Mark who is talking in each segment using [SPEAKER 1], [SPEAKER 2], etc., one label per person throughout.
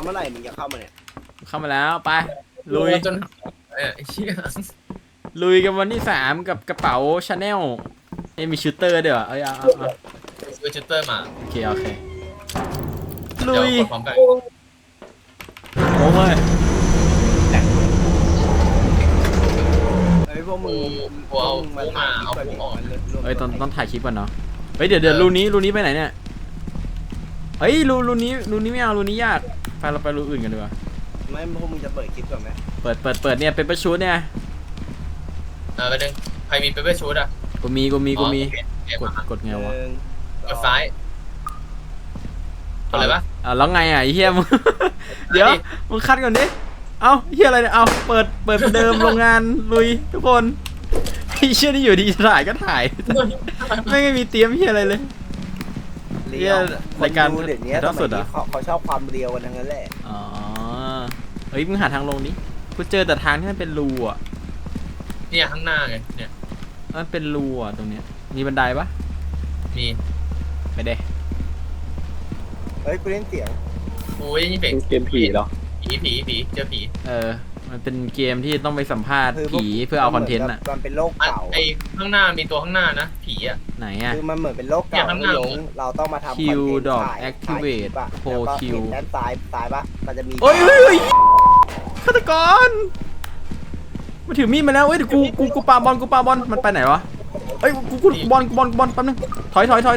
[SPEAKER 1] เมื่อไหร่มึงจะเข้ามาเนี่ย
[SPEAKER 2] เข้ามาแล้วไปลุย
[SPEAKER 3] จนเชี่ย
[SPEAKER 2] ลุยกันวันที่3กับกระเป๋าชาแนลมีชูเตอร์ด้วยเหรอเอา
[SPEAKER 3] ซื้อชูเตอร์มา
[SPEAKER 2] โอเคลุย
[SPEAKER 3] เดี๋ยวกดพร้อมกัน
[SPEAKER 2] โอ้ย
[SPEAKER 1] พวกมึง
[SPEAKER 3] มาเอาออก
[SPEAKER 2] ต้องถ่ายคลิปก่อนเนาะเฮ้ยเดี๋ยวรูนี้ไปไหนเนี่ยเฮ้ยรูนี้ไม่เอารูนี้ยากไปเราไปรูอื่นกันดีกว่า
[SPEAKER 1] ไม่พวกมึงจะเปิดคลิปก่อนไหม
[SPEAKER 2] เปิดเนี่ยเป็นประชุดเนี่ย
[SPEAKER 3] ไปดึงใครมีเปเปอร์ชูดอ่ะ
[SPEAKER 2] กูมีกดไงวะ
[SPEAKER 3] กดซ้ายอะไรปะ
[SPEAKER 2] แล้วไงไอ้เฮียมึงเดี๋ยวมึงคัดก่อนดิเอาเฮียอะไรเนี่ยเอาเปิดเดิมโรงงานลุยทุกคนไอ้เชี่ยนี่อยู่ดีถ่ายก็ถ่ายไม่มีเตรียมเฮียอะไรเลย
[SPEAKER 1] เรียวรายการเดี๋ยวนี้ต้องสุดอ่ะเขาชอบความเรียวกันทั้งนั้นแหละ
[SPEAKER 2] อ๋อเฮ้ยมึงหาทางลงนี้กูเจอแต่ทางที่มันเป็นรูอ่ะ
[SPEAKER 3] เนี่ยข้างหน้าไงเนี่ย
[SPEAKER 2] มันเป็นรูอ่ะตรงเนี้ยมีบันไดปะ
[SPEAKER 3] มี
[SPEAKER 2] ไปเด้
[SPEAKER 1] เฮ้ยกูเล่นเสียง
[SPEAKER 3] โอ้ยนี่เป็น
[SPEAKER 4] เกมผีเหรอ
[SPEAKER 3] ผีเจอผี
[SPEAKER 2] มันเป็นเกมที่ต้องไปสัมภาษณ์ผีเพื่อเอาคอนเทนต์อ่ะ
[SPEAKER 1] มันเป็นโลกเก่า
[SPEAKER 3] ไอ้ข้างหน้ามีตัวข้างหน้านะผีอ่ะ
[SPEAKER 2] ไหนอ่ะ
[SPEAKER 1] คือมันเหมือนเป็นโลกเก่าเราต้องมาทำคอนเทนต์
[SPEAKER 2] ดอก activate โพคิว
[SPEAKER 1] ด้านซ้ายปะมันจะมี
[SPEAKER 2] โอ้ยฆาตกรมาถือมีดมาแล้วเอ้ยกูปาบอลมันไปไหนวะเอ้ยกูบอลแป๊บนึงถอยเฮี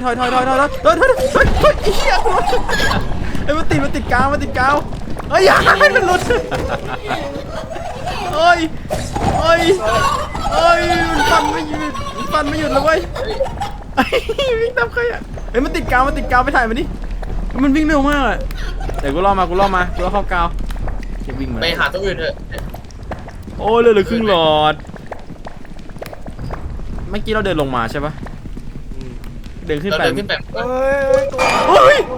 [SPEAKER 2] ยเอ้ยมันติดกาวเอ้ยอย่าให้มันหลุดเอ้ยมันฟันไม่หยุดเลยเว้ยวิ่งตามใครอ่ะเอ้ยมันติดกาวไปถ่ายมันดิมันวิ่งเร็วมากอะเดี๋ยวกูล่อเข้ากาววิ่งมา
[SPEAKER 3] ไปหาตัวอื่นเถอะ
[SPEAKER 2] โอ้เลยเหลือครึ่งหลอดเมื่อกี้เราเดินลงมาใช่ปะเดินขึ้นไป
[SPEAKER 1] เฮ้ย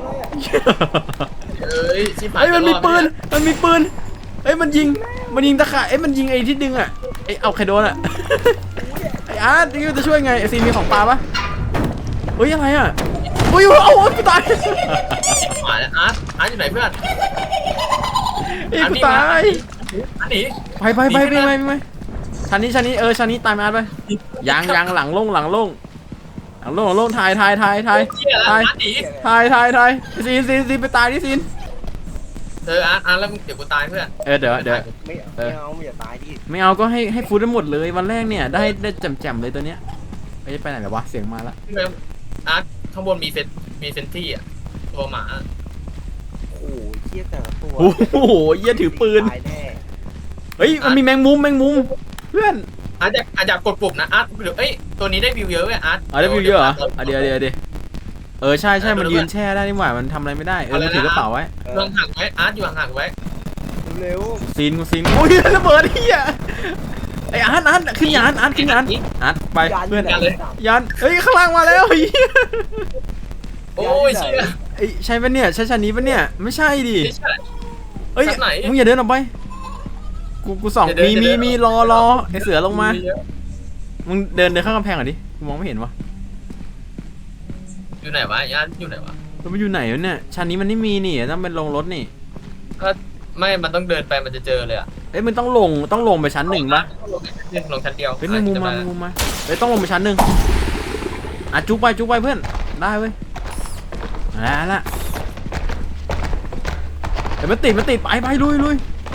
[SPEAKER 2] มันมีปืนมันยิงตะข่ายมันยิงไอ้ที่ดึงอ่ะเอาใครโดนอ่ะไอ้อาร์ตนี่จะช่วยไงไอ้ซีมีของปลาปะเฮ้ยอะไรอ่ะโอ้ยกูตาย
[SPEAKER 3] อาร์ตอยู่ไหนเพื่อน
[SPEAKER 2] กูตาย
[SPEAKER 3] อันนี้
[SPEAKER 2] ไปชั้นนี้ชั้นนี้ตายมาไปยังหลังลงถ่ายซีนไปตายที่ซีน
[SPEAKER 3] อาร์ตแล้วเดี๋ยวกูตายเพื่อน
[SPEAKER 2] เดี๋ยว
[SPEAKER 1] ไม่เอาอย่าตายดิ
[SPEAKER 2] ไม่เอาก็ให้ฟูดได้หมดเลยวันแรกเนี่ยได้แจ่มเลยตัวเนี้ยไปไหนแล้ววะเสียงมาละ
[SPEAKER 3] อาร์ตข้างบนมีเซนที่อ่ะตัวหมา
[SPEAKER 1] โอ้ยเหี้ยแต่ละตัว
[SPEAKER 2] โอ้โหเหี้ยถือปืนเฮ้ยมันมีแมงมุมเพื่อน
[SPEAKER 3] อาร์ตอยากกดปุ่มนะอาร์ตเอ้ยตัวนี้ได้วิวเยอะเว้ยอาร์ต
[SPEAKER 2] ได้วิวเยอะเหรอเดี๋ยวใช่มันยืนแช่ได้นี่หว่ามันทำอะไรไม่ได้มันถือกระเป๋าไว้
[SPEAKER 3] ห่างไว้อาร์ตอยู่ห่างไว้
[SPEAKER 1] เร็ว
[SPEAKER 2] ซีนโอ้ยระเบิดเฮียไออาร์ตขึ้นยานอาร์ตไปเพื่อนยานเฮ้ยข้างล่างมาแล้ว
[SPEAKER 3] โอ้ย
[SPEAKER 2] ใช่ปะเนี่ยใช่ชั้นนี้ปะเนี่ยไม่ใช่ดิเฮ้ยมึงอย่าเดินออกไปกูส่องมีรอไอเสือลงมามึงเดินข้างกำแพงหน่อยดิกูมองไม่เห็นวะ
[SPEAKER 3] อยู่ไหนวะอาร์ตอยู่ไหนวะ
[SPEAKER 2] มันอยู่ไหนวะเนี่ยชั้นนี้มันไม่มีนี่ต้องเป็นลงรถนี่
[SPEAKER 3] ก็ไม่มันต้องเดินไปมันจะเจอเลยอ่ะ
[SPEAKER 2] มันต้องลงไปชั้น1ปะ
[SPEAKER 3] ลงชั้นเดียว
[SPEAKER 2] เป็นมุมมาต้องลงไปชั้น1จุ๊บไปเพื่อนได้เว้ยละมันติดไปลุย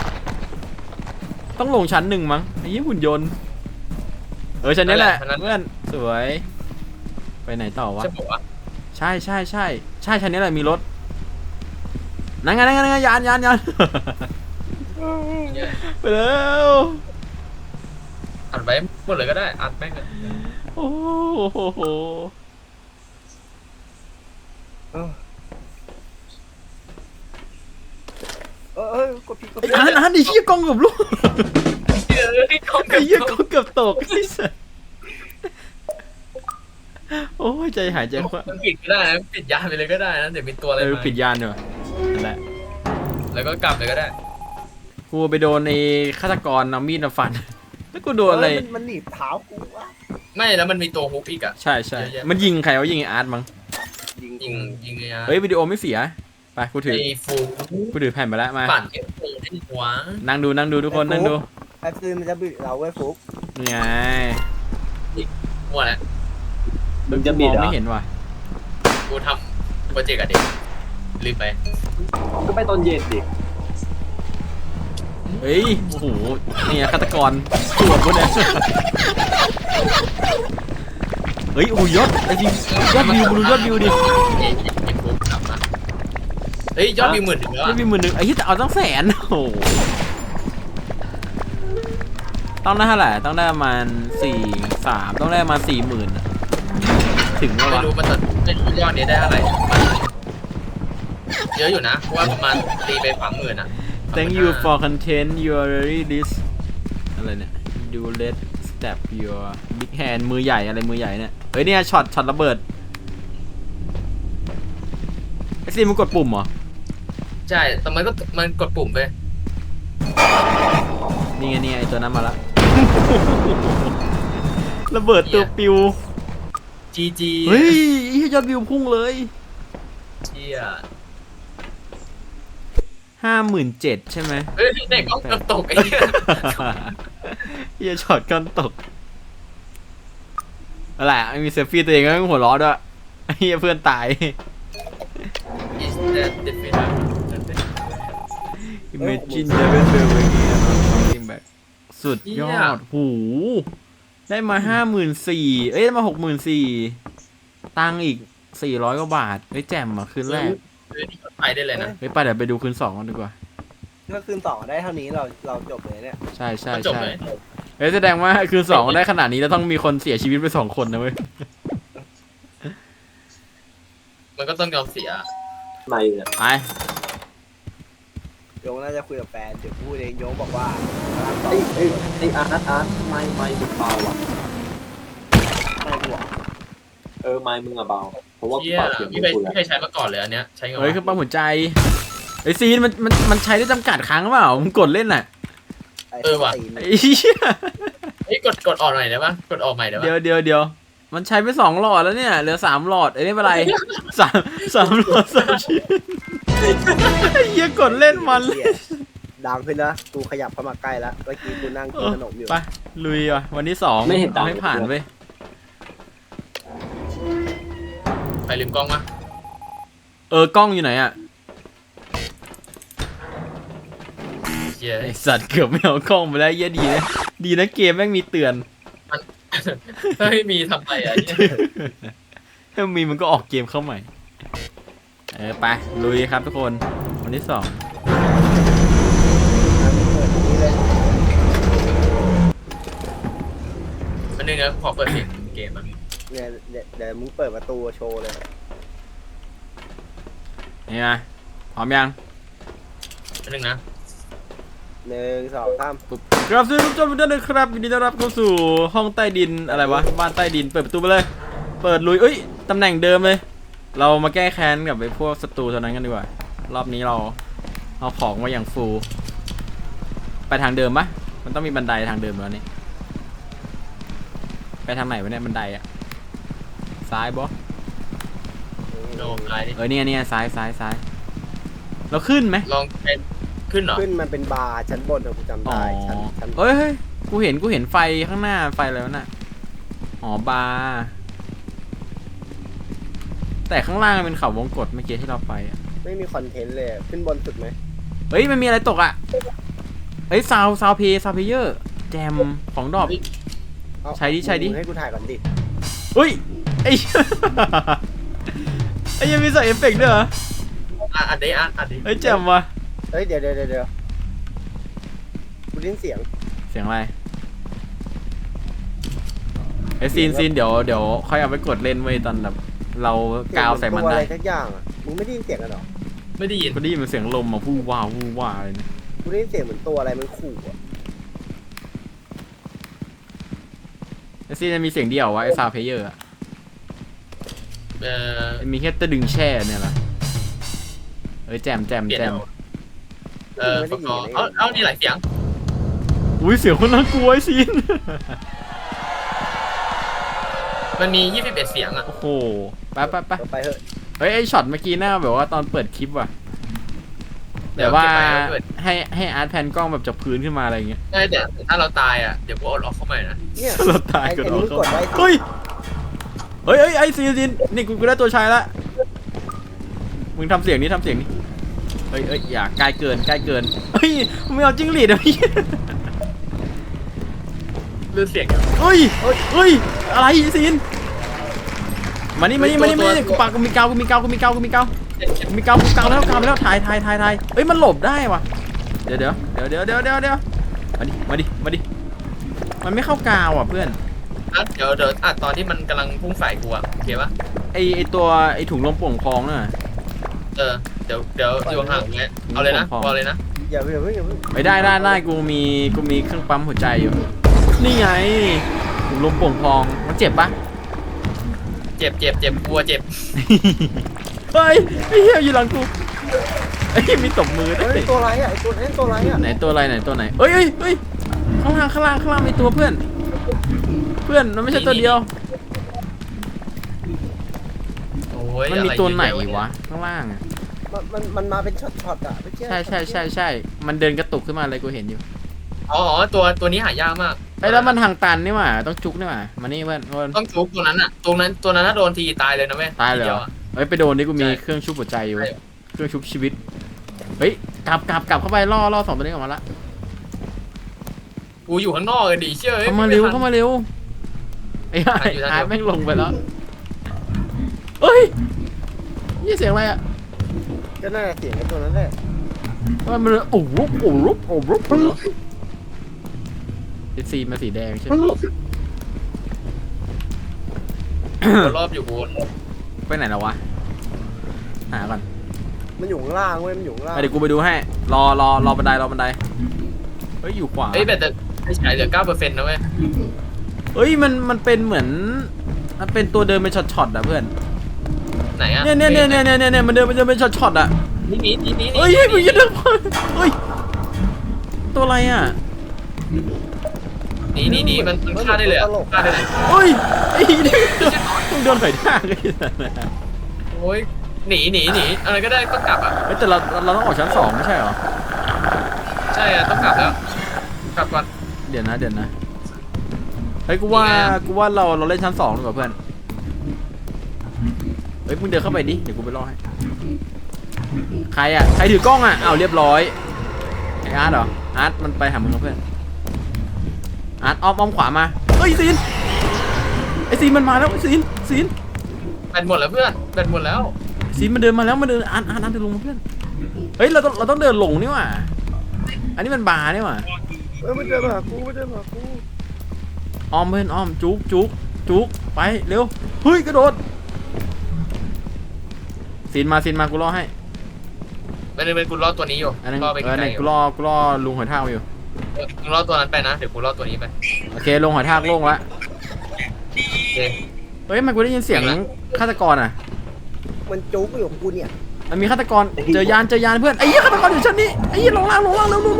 [SPEAKER 2] ต้องลงชั้น1มั้งไอ้ยี่หุ่นยนต์ชั้นนี้แหละเพื่อนสวยไปไหนต่อวะใช่ชั้นนี้แหละมีรถนั่งยานไปแล้ว
[SPEAKER 3] อัดไว้หมดเลยก็ได้อัดแม่งเลย
[SPEAKER 2] โอ้โห
[SPEAKER 1] กดผิด
[SPEAKER 2] อันดิเหี้ยกล้องเกือบลูกเหี้ยกล้องเกือบตกไอ้สัสโอ้ยใจหายใจคว่
[SPEAKER 3] ำปิดก็ได้นะปิดยานไปเลยก็ได้นะเดี๋ยวมีตัวอะไรมา
[SPEAKER 2] ปิดยานเนอะนั่นแหละ
[SPEAKER 3] แล้วก็กลับเลยก็ได้
[SPEAKER 2] กูไปโดนในฆาตกรเอามีดมาฟันแล้วกูโดนอะไร
[SPEAKER 1] มันหนีบเท้ากูวะ
[SPEAKER 3] ไม่แล้วมันมีตัวฮุกอีกอ่ะ
[SPEAKER 2] ใช่มันยิงใครวะยิงอาร์ตมั้ง
[SPEAKER 3] ยิงไง
[SPEAKER 2] วิดีโอไม่เสียไปกูถือ
[SPEAKER 3] ไอ้ฟู
[SPEAKER 2] กูถือแผ่นไปแล้วมา
[SPEAKER 3] ปั่นเอฟโฟได้หัว
[SPEAKER 2] นั่งดูทุกคนนั่งดู
[SPEAKER 1] ไอ้ปืนมันจะบิดเราไว้ฟุก
[SPEAKER 2] นี่ไง
[SPEAKER 3] หัวแหละ
[SPEAKER 4] มึงจะบิด
[SPEAKER 2] ม
[SPEAKER 4] เห
[SPEAKER 2] อง
[SPEAKER 4] รอ
[SPEAKER 2] ไม่เห็นว่ะ
[SPEAKER 3] กูทำโปรเจกต์กับเด็กลืมไป
[SPEAKER 4] ก็ไปตอนเย็นดิ
[SPEAKER 2] เฮ้ยโอ้โหนี่ฆาตกรตัวกูเนี่ยเฮ้ยโอ้ยยศไอ้จริงยอดวิวมึงดูยอดวิวดิ
[SPEAKER 3] ไอ้ฟูกลับมาเฮ้ยยอดวิวหมื่นถึงแล้ว
[SPEAKER 2] ยอดวิว10,000ไอ้ที่เอาตั้ง100,000โอ้โหต้องได้เท่าไหร่ต้องได้ประมาณ4-3ต้องได้ประมาณ40,000อะถึงแล้ว
[SPEAKER 3] ไม่
[SPEAKER 2] วะ
[SPEAKER 3] รู้มันจะไม่รู้ยอดนี้ได้เท่าไหร่เยอะอยู่นะเพราะว่าประมาณตีไป30,000อ่ะ
[SPEAKER 2] Thank you for content you already this อะไรเนี่ย do let step your big hand มือใหญ่อะไรมือใหญ่เนี่ยเฮ้ยเนี่ยช็อตระเบิดไอ้ซีมันกดปุ่มเหรอ
[SPEAKER 3] ใช่แต่มันกดปุ่มไป
[SPEAKER 2] นี่ไงไอตัวนั้นมาละ ระเบิดตัวปิว
[SPEAKER 3] GG
[SPEAKER 2] เฮ้ยยอดวิวพุ่งเลย
[SPEAKER 3] เชี่ย
[SPEAKER 2] 57,000ใช่ไหม
[SPEAKER 3] เฮ้ยเด็กเอากระตกไอ้เหี้ย
[SPEAKER 2] เฮียช็อตกันตกอะไรอ่ะมีเซลฟี่ตัวเองก็ไม่หัวเร้อด้วยเฮียเพื่อนตาย
[SPEAKER 3] Is that definite
[SPEAKER 2] Imagine never feel again or something back สุดยอดหูได้มา54,000เอ้ยได้มา64,000ตังค์อีก400 กว่าบาทเฮ้ยแจ่มอ่ะคืนแรก
[SPEAKER 3] เฮ้ยนี่ก็ไปได้เลยนะ
[SPEAKER 2] เฮ้ยไปเดี๋ยวไปดูคืน2กันดีกว่า
[SPEAKER 1] ถ้าคืนต่อได้เท่านี้เราจบเลยเนี่ย
[SPEAKER 2] ใช่ใช่
[SPEAKER 3] มันจบ
[SPEAKER 2] ใช่
[SPEAKER 3] เลย
[SPEAKER 2] เฮ้ยแสดงว่าคืน2ได้ขนาดนี้แล้วต้องมีคนเสียชีวิตไป2 คนนะเว้ย
[SPEAKER 3] มันก็ต้องยอมเสีย
[SPEAKER 4] ไม่เนี่ย
[SPEAKER 2] ไป
[SPEAKER 1] โยงน่าจะคุยกับแฟนเดี๋ยวพูดเองโยงบอกว่า
[SPEAKER 4] ไอ้อาร์ตไม่มึงเบาอ่ะ
[SPEAKER 1] ไม่ห่วง
[SPEAKER 4] ไม่มึงอะเบาเพราะว่ากู
[SPEAKER 3] เชี่ย
[SPEAKER 4] เป่าเสียง
[SPEAKER 3] พี่
[SPEAKER 4] มึง
[SPEAKER 3] เคย
[SPEAKER 4] กู
[SPEAKER 3] พี่เคยใช้มาก่อนเลยอันเนี้ยใช้ไงวะ
[SPEAKER 2] เฮ้ยคือปั๊มหัวใจไอซีนมันใช้ได้จำกัดครั้งหรือเปล่ามึงกดเล่นน่ะ
[SPEAKER 1] ไอ้ตีน
[SPEAKER 2] ไอ้เหี้ย
[SPEAKER 3] เฮ้ยกดออกหน่อยได้ปะกดออกใหม่ได้ปะ
[SPEAKER 2] เดี๋ยวมันใช้ไป2 หลอดแล้วเนี่ยเหลือ3 หลอดไอ้นี่เป็นไรสามหลอด3 ชิ้นไอ้เหี้ยกดเล่นมันเลย
[SPEAKER 1] เหี้ยดังขึ้นนะกูขยับเข้ามาใกล้แล้วเมื่อกี้กูนั่งกินขนมอยู่
[SPEAKER 2] ไปลุยอ่ะวันที่2
[SPEAKER 4] ไม่เห็นดัง
[SPEAKER 2] เอาให้ผ่านเว้ย
[SPEAKER 3] ไปลืมกล้องมะ
[SPEAKER 2] กล้องอยู่ไหนอ่ะ
[SPEAKER 3] เชี่ย
[SPEAKER 2] ไอสัตว์เกือบไม่เอากล้องไปแล้วเหี้ยดีนะเกมแม่งมีเตือน
[SPEAKER 3] ถ้าไม่มีทำไมอ่ะ
[SPEAKER 2] ถ้ามีมันก็ออกเกมเข้าใหม่ไปลุยครับทุกคนวันที่2
[SPEAKER 3] มันนึงนะขอเปิดเสียงเกมอ่ะ
[SPEAKER 1] เนี่ยเดี๋ยวมึงเปิดประตูโชว์เลย
[SPEAKER 2] นี่ไงพร้อมยัง
[SPEAKER 3] มันนึงนะ
[SPEAKER 1] 1 2 3
[SPEAKER 2] ปุ๊บครับสวัสดีทุกท่านทุกท่านนะครับยินดีต้อนรับเข้าสู่ห้องใต้ดินอะไรวะบ้านใต้ดินเปิดประตูไปเลยเปิดลุยเอ้ยตำแหน่งเดิมเลย เรามาแก้แค้นกับไอ้พวกศัตรูเท่านั้นกันดีกว่ารอบนี้เราเอาของมาอย่างฟูลไปทางเดิมปะมันต้องมีบันไดทางเดิมแล้วนี่ไปทางไหนวะเนี่ยบันไดอะซ้ายบอ
[SPEAKER 3] โน้มไลน์
[SPEAKER 2] เนี่ยซ้ายเราขึ้นไหม
[SPEAKER 3] ลองเป็นขึ้นเหรอ
[SPEAKER 1] ขึ้นมันเป็นบาร์ชั้นบนอะกูจำ
[SPEAKER 2] อ๋อ
[SPEAKER 1] ได้ชั้น
[SPEAKER 2] เฮ้ยกูเห็นไฟข้างหน้าไฟอะไรวะน่ะอ๋อบาร์แต่ข้างล่างมันเป็นเขาวงกตเมื่อกี้ที่เราไปอะ
[SPEAKER 1] ไม่มีคอนเทนต์เลยขึ้นบนสุดไหม
[SPEAKER 2] เฮ้ยมันมีอะไรตกอ่ะเฮ้ยซาวเพเยอร์แจมของดอก
[SPEAKER 1] เอา
[SPEAKER 2] ใช้ดิ
[SPEAKER 1] มึงให้กูถ่ายก่อนดิ
[SPEAKER 2] เฮ้ยไอ้ ไอ้ยังมีใส่เอฟเฟกต์ด้วยเหรอ
[SPEAKER 3] อัดดิอัดดิ
[SPEAKER 2] เฮ้ยแจมว่ะ
[SPEAKER 1] เฮ้ยเดี๋ยวกูได้ยินเสียง
[SPEAKER 2] เสียงอะไรไอ้ซีนเดี๋ยวค่อยเอาไปกดเล่นไว้ตอนแบบเรากาวใส่มัน
[SPEAKER 1] ตัว
[SPEAKER 2] ได้
[SPEAKER 1] อะไรสักอย่างอ่ะมึงไม่ได้ยินเสียงกันหรอ
[SPEAKER 3] ไม่ได้ยิน
[SPEAKER 2] ก็ได้ยินมันเสียงลมอ่ะวู้ว้าเลยนะ
[SPEAKER 1] กูได้ยินเสียงเหมือนตัวอะไรมันขู่อ่ะ
[SPEAKER 2] ไอ้ซีนจะมีเสียงเดียววะไอ้ซาวเพเยอร์อะ
[SPEAKER 3] เออ
[SPEAKER 2] มีแค่ตะดึงแช่เนี่ยแหละเอ้ยแจม
[SPEAKER 3] เปลี่ยนเอาประกอบเอานี่หลายเสียง
[SPEAKER 2] อุ้ยเสียงคนน่ากลัวไอ้ซีน
[SPEAKER 3] มันมี21เสียงอ่ะ
[SPEAKER 2] โอ้โหไป
[SPEAKER 1] ไปเถอะ
[SPEAKER 2] เฮ้ยไอช็อตเมื่อกี้หน้าแบบว่าตอนเปิดคลิปว่ะแต่ว่าให้อาร์ตแพนกล้องแบบจากพื้นขึ้นมาอะไรอย่างเงี้ย
[SPEAKER 3] ใช่แต่ถ้าเราตายอ่ะเดี๋ยวกูเอาล็อกเข้ามานะ
[SPEAKER 1] เนี่ย
[SPEAKER 2] เราตาย
[SPEAKER 1] ไอ้
[SPEAKER 2] กัน
[SPEAKER 1] ไอ้
[SPEAKER 2] เหรอ
[SPEAKER 1] นี่กดไว้
[SPEAKER 2] เฮ้ยไอ้ซีนนี่กูได้ตัวชายละมึงทำเสียงนี้เฮ้ยอย่าใกล้เกินเฮ้ยมึงไม่เอาจิ้งหรีดอ่ะพี่
[SPEAKER 3] เลือดเสียง
[SPEAKER 2] เฮ้ยอะไรซีนมานี่กูปากกูมีเกาแล้วถ่ายเฮ้ยมันหลบได้วะเดี๋ยวมาดิมันไม่เข้ากาวอ่ะเพื่อน
[SPEAKER 3] เดี๋ยวตอนที่มันกำลังพุ่งใส่กูอ่ะโอเคปะ
[SPEAKER 2] ไอตัวไอถุงลมโป่งพองน่ะ
[SPEAKER 3] เดี๋ยวอยู่ห่างๆเงี้ยเอาเลยนะเอาเลยนะ
[SPEAKER 1] อย่าเพิ่ง
[SPEAKER 2] ไปได้กูมีเครื่องปั๊มหัวใจอยู่นี่ไงถุงลมโป่งพองมันเจ็บปะ
[SPEAKER 3] เจ็บกลัวเจ็บ
[SPEAKER 2] เฮ้ยไอ้เหี้ยอยู่หลังกูไอ้มีตบมือด้
[SPEAKER 1] เฮ้
[SPEAKER 2] วย
[SPEAKER 1] ยตัวอะไรอ่ะไอ้ตัวนั้นตัวอะไรอ่ะ
[SPEAKER 2] ไหนตัวไหนเฮ้ยข้างล่างมีตัวเพื่อนมันไม่ใช่ตัวเดียว
[SPEAKER 3] โอ้ย
[SPEAKER 2] มันมีตัวไหนวะข้างล่างอ่ะ
[SPEAKER 1] มันมาเป็นช็อตอ่ะไม่ใช่
[SPEAKER 2] ใช่มันเดินกระตุกขึ้นมาเลยกูเห็นอยู่
[SPEAKER 3] อ๋อตัวนี้หายากมาก
[SPEAKER 2] ไอ้แล้วมันทางตันนี่หว่าต้องจุกนี่หว่ามานี่เพื่อน
[SPEAKER 3] ต้องชุบตัวนั้นอ่ะตัวนั้นถ้าโดนทีตายเลยนะแม่
[SPEAKER 2] ตายเลยเหรอเฮ้ยไปโดนนี่กูมีเครื่องชุบหัวใจอยู่เครื่องชุบชีวิตเฮ้ยกลับเข้าไปล่อสองตัวนี้ออกมาละ
[SPEAKER 3] กูอยู่ข้างนอกเลยดิเชื่อ
[SPEAKER 2] เข้ามาเร็วไอ้อาร์ตแม่งลงไปแล้วเฮ้ยนี่เสียงอะไรอ่ะ
[SPEAKER 1] ก็น่าจะเสียงไอ้ตัวนั้นแหละ
[SPEAKER 2] มันโอ้รุบสีมาสีแดงใช่ไหม
[SPEAKER 3] รอบอยู่บน
[SPEAKER 2] ไปไหนแล้ววะหาก่อน
[SPEAKER 1] มันอยู่ข้างล่างเว้ยมันอยู่ข้างล่าง
[SPEAKER 2] เดี๋ยวกูไปดูให้รอบันไดเฮ้ยอยู่ขวา
[SPEAKER 3] เฮ้ยแต่ไม่ใช่เหลือ 9% นะเว้ย
[SPEAKER 2] เฮ้ยมันเป็นเหมือนมันเป็นตัวเดินเป็นช็อตๆอ่ะเพื่อน
[SPEAKER 3] ไหนอ่ะ
[SPEAKER 2] เนี่ยมันเดินเป็นช็อตๆอ่ะ
[SPEAKER 3] นี่
[SPEAKER 2] เฮ้ยมึงอย่าเดินเฮ้ยตัวอะไรอ่ะ
[SPEAKER 3] นี่มันฆ่าได้เลยฆ่าได้เลย
[SPEAKER 2] เฮ้ยไอ้นี่มึงโดนไฟท่าเลย
[SPEAKER 3] โอ้ยหนีอะไรก็ได้ต้องกลับอ่ะ
[SPEAKER 2] เฮ้ยแต่เราต้องออกชั้น2ไม่ใช่เหรอ
[SPEAKER 3] ใช่อ่ะต้องกลับแล้วกลับก่อน
[SPEAKER 2] เดี๋ยวนะเฮ้ยกูว่าเราเล่นชั้น2ดีกว่าเพื่อนเฮ้ยมึงเดินเข้าไปดิเดี๋ยวกูไปรอให้ใครถือกล้องอ่ะอ้าวเรียบร้อยไออาร์ตเหรออาร์ตมันไปหามึงแล้วเพื่อนอาร์ตอ้อมขวามาเฮ้ยซีนไอซีนมันมาแล้วซีน
[SPEAKER 3] แบตหมดแล้วเพื่อนแบตหมดแล้ว
[SPEAKER 2] ซีนมันเดินมาแล้วมันเดินอาร์ตเดินลงมาเพื่อนเฮ้ยเราต้องเดินลงนี่หว่าอันนี้มันบาร์นี่หว่า
[SPEAKER 1] มันเดินมาหากู
[SPEAKER 2] อ้อมเพื่อนอ้อมจุกไปเร็วเฮ้ยกระโดดซีนมากูรอให้
[SPEAKER 3] เป็นกูรอตัวนี้อยู่
[SPEAKER 2] อันนึง
[SPEAKER 3] รอไปไกล
[SPEAKER 2] กูรอลุงหอยทากอยู่
[SPEAKER 3] มึงรอตัวนั้นไปนะเดี๋ยวกูรอตัวนี้ไป
[SPEAKER 2] โอเคลงหอยทากโล่งละ
[SPEAKER 3] โอเค
[SPEAKER 2] เฮ้ยมันกูได้ยินเสียงฆาตกรอ่ะ
[SPEAKER 1] มันจุกอยู่ของกูเนี่ย
[SPEAKER 2] มันมีฆาตกรเจอยานเพื่อนไอ้เหี้ยฆาตกรอยู่ชั้นนี้ไอ้เหี้ยลงล่างเร็ว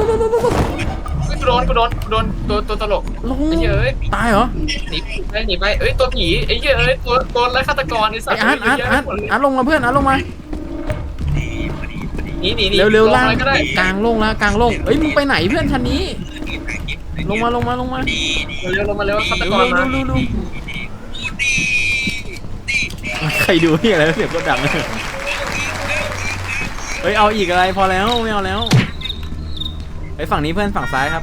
[SPEAKER 3] กูโดนตัวตลก
[SPEAKER 2] ลง
[SPEAKER 3] ไอ้เหี้ยเอ้ย
[SPEAKER 2] ตายเหรอ
[SPEAKER 3] หนีไปเอ้ยตัวผีไอ้เหี้ยเอ้ยตัวไร้ฆาตกรไอ้สัต
[SPEAKER 2] ไอ้
[SPEAKER 3] ว์
[SPEAKER 2] อาร์ตลงมาเพื่อนอาร์ตลงมา
[SPEAKER 3] หนี
[SPEAKER 2] เร็วล่าง
[SPEAKER 3] อะไรก็ได้
[SPEAKER 2] กลางโล่งเฮ้ยมึงไปไหนเพื่อนชั้นนี้ลงมา
[SPEAKER 3] เร็วลงมาเร็วฆาตกรมา
[SPEAKER 2] ใครดูนี่อะไรเสียงก็ดังเฮ้ยเอาอีกอะไรพอแล้วไม่เอาแล้วไอ้ฝั่งนี้เพื่อนฝั่งซ้ายครับ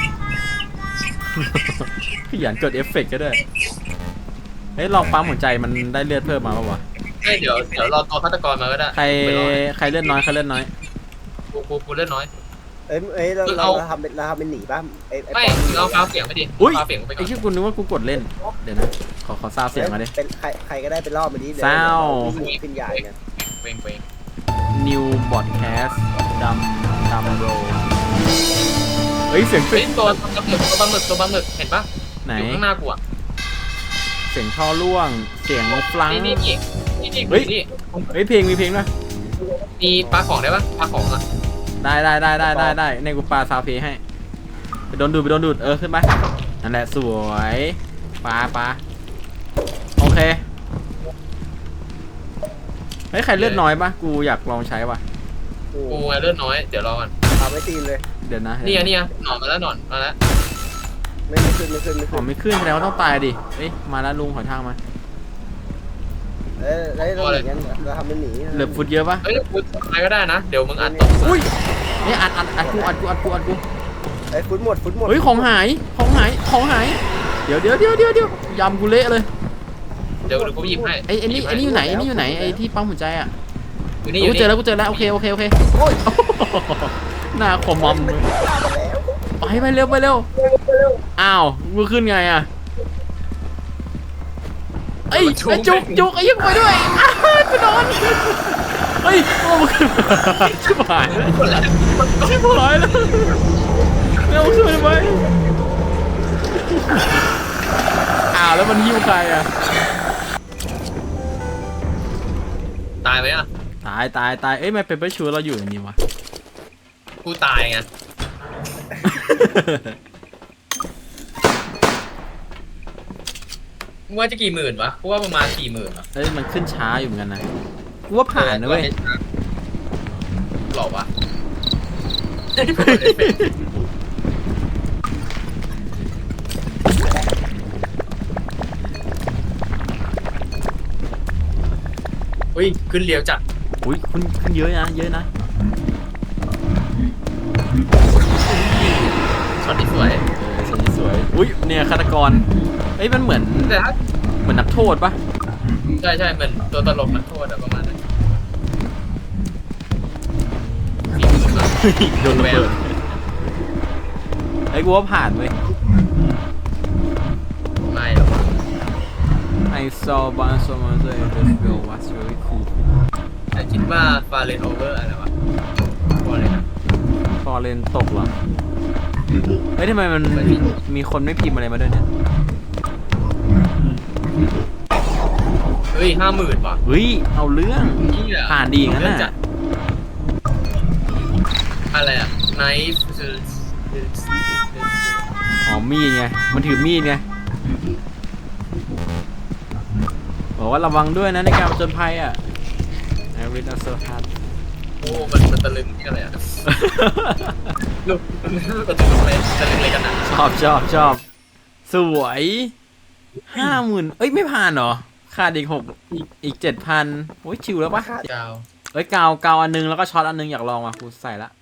[SPEAKER 2] ขยันกดเอฟเฟกต์ก็ได้เฮ้ยลองปั๊มหัวใจมันได้เลือดเพิ่มมาป่าวะ
[SPEAKER 3] เดี๋ยวรอตัวฆาตกรมาก็ได้
[SPEAKER 2] ใครเลือดน้อยกูเลือดน้อย
[SPEAKER 3] กูเล่นน้อย
[SPEAKER 1] เราทำเป็นหนีป่ะไอ้
[SPEAKER 3] ไม่เอาฟ้าเสียงไปดิ
[SPEAKER 2] อุ้ย
[SPEAKER 3] ฟ้าเสียงไปก่
[SPEAKER 2] ไอ้
[SPEAKER 3] อน
[SPEAKER 2] ชื่อกูนึกว่ากูกดเล่นเดี๋ยวนะขอซาวเสียงมาดิ
[SPEAKER 1] เป็นใครก็ได้เป็นรอบมาดิ
[SPEAKER 2] ซาว
[SPEAKER 1] ขึ้นใหญ่เนี่ย
[SPEAKER 3] เวง
[SPEAKER 2] New Broadcast ดำโรเฮ้ยเสียง
[SPEAKER 3] เฮ้ยตัวปลาหมึกเห็นปะ
[SPEAKER 2] ไหน
[SPEAKER 3] อยู่ข้างหน้ากูอ่ะ
[SPEAKER 2] เสียงท่อร่วงเสียงฟลัง
[SPEAKER 3] นี่
[SPEAKER 2] เฮ้ยเพลงมีเพลงด้วย
[SPEAKER 3] มีปลาของได้ปะปลาของอ่ะ
[SPEAKER 2] ได้ในกูปาซาวเพลงให้ไปโดนดูดขึ้นไปนั่นแหละสวยปาโอเคเฮ้ยใครเลือดน้อยปะกูอยากลองใช้ว่ะ
[SPEAKER 1] โอ้
[SPEAKER 3] กูไงเลือดน้อยเดี๋ยวรอก่อน
[SPEAKER 1] เอาไม่ตีนเลย
[SPEAKER 2] เดี๋ยวนะ
[SPEAKER 3] นี่ไงหนอนมาแล้วหนอนมาแล้ว
[SPEAKER 1] ไม่ขึ้นไม่ขึ้นไม่
[SPEAKER 2] อ๋
[SPEAKER 1] ขึ้
[SPEAKER 2] อน ไม่ขึ้นแสดงว่าต้องตายดิเอ้ยมาแล้วลุงขอทางมา
[SPEAKER 1] แล้วเราอย่างนั้นเราทำเป็นหนี
[SPEAKER 2] เหลือฟุตเยอะปะ
[SPEAKER 3] เฮ้ยกูไปก็ได้นะเดี๋ยวมึงอัดตก
[SPEAKER 2] อุ้ยนี่อัดกู
[SPEAKER 1] ไอ้ฟุตหมด
[SPEAKER 2] เฮ้ยของหายเดี๋ยวยำกูเละเลย
[SPEAKER 3] เดี๋ยวกูหยิบให้
[SPEAKER 2] ไอ้นี่อยู่ไหนไอ้ที่ปั๊มหัวใจอ่ะ
[SPEAKER 3] อยู่นี่
[SPEAKER 2] กูเจอแล้วโอเค
[SPEAKER 1] โอ้ย
[SPEAKER 2] หน้าคอมมอมเลยไปเร็วอ้าวกูขึ้นไงอ่ะไอ้จุกไอ้ยังไปด้วยกูนอนเฮ้ยโอ้มันขึ้นชิบหายแล้วเร็วขึ้นไปอ้าวแล้วมันหิ้วใครอ่ะ
[SPEAKER 3] ตายไหมอ่ะ
[SPEAKER 2] ตายเอ้ยไม่เป็นไปชูเราอยู่อย่างนี้วะ
[SPEAKER 3] กูตายไงมึงว่าจะกี่หมื่นวะกูว่าประมาณ40,000อ่ะ
[SPEAKER 2] เอ้ยมันขึ้นช้าอยู่เหมือนกันนะกูว่าผ่านนะเว้ย
[SPEAKER 3] หรอวะอุ้ยขึ้นเรียวจัด
[SPEAKER 2] อุ้ยคุณขึ้นเยอะนะ
[SPEAKER 3] ช็อตที่สวย
[SPEAKER 2] สวยอุ้ยเนี่ยฆาตกรเอ้ยมันเหมือน
[SPEAKER 3] แต่ถ้า
[SPEAKER 2] นักโทษปะ
[SPEAKER 3] ใช่เหมือนตัวตลกนักโทษอะประมาณนั้น40,000อะ
[SPEAKER 2] โดนระเบิดไอ้ยกูว่าผ่านเว้ย
[SPEAKER 3] ไม่หรอกวะ
[SPEAKER 2] I saw one someone say this girl was very cool
[SPEAKER 3] แต่คิดว่าฟาเรนโอเวอร์อะไรวะพอเลยนะ
[SPEAKER 2] ฟอร์เรนตกเหรอเฮ้ยทำไมมันมีคนไม่พิมพ์อะไรมาด้วยเนี่ย
[SPEAKER 3] เฮ้ย50,000ว่ะ
[SPEAKER 2] เฮ้ยเอาเรื่อง
[SPEAKER 3] นี่อะ
[SPEAKER 2] ผ่านดีงั้น
[SPEAKER 3] เรื่องจั
[SPEAKER 2] น่ะ
[SPEAKER 3] ดอะไรอะไนฟ์
[SPEAKER 2] อ๋อมีดไงมันถือมีดไงบอกว่าระวังด้วยนะในการผจญภัยอ่ะ I read a so hard
[SPEAKER 3] โอ้มันตะลึงที่อะไรอะลูกตะลึงอะไรตะลึงอะไรกันอะ
[SPEAKER 2] ชอบสวย50,000เอ้ยไม่ผ่านเหรอขาดอีก7,000โอ้ยชิวแล้วปะ
[SPEAKER 3] เจ้า
[SPEAKER 2] เอ้ยกาวอันนึงแล้วก็ช็อตอันนึงอยากลองว่ะกูใส่ละ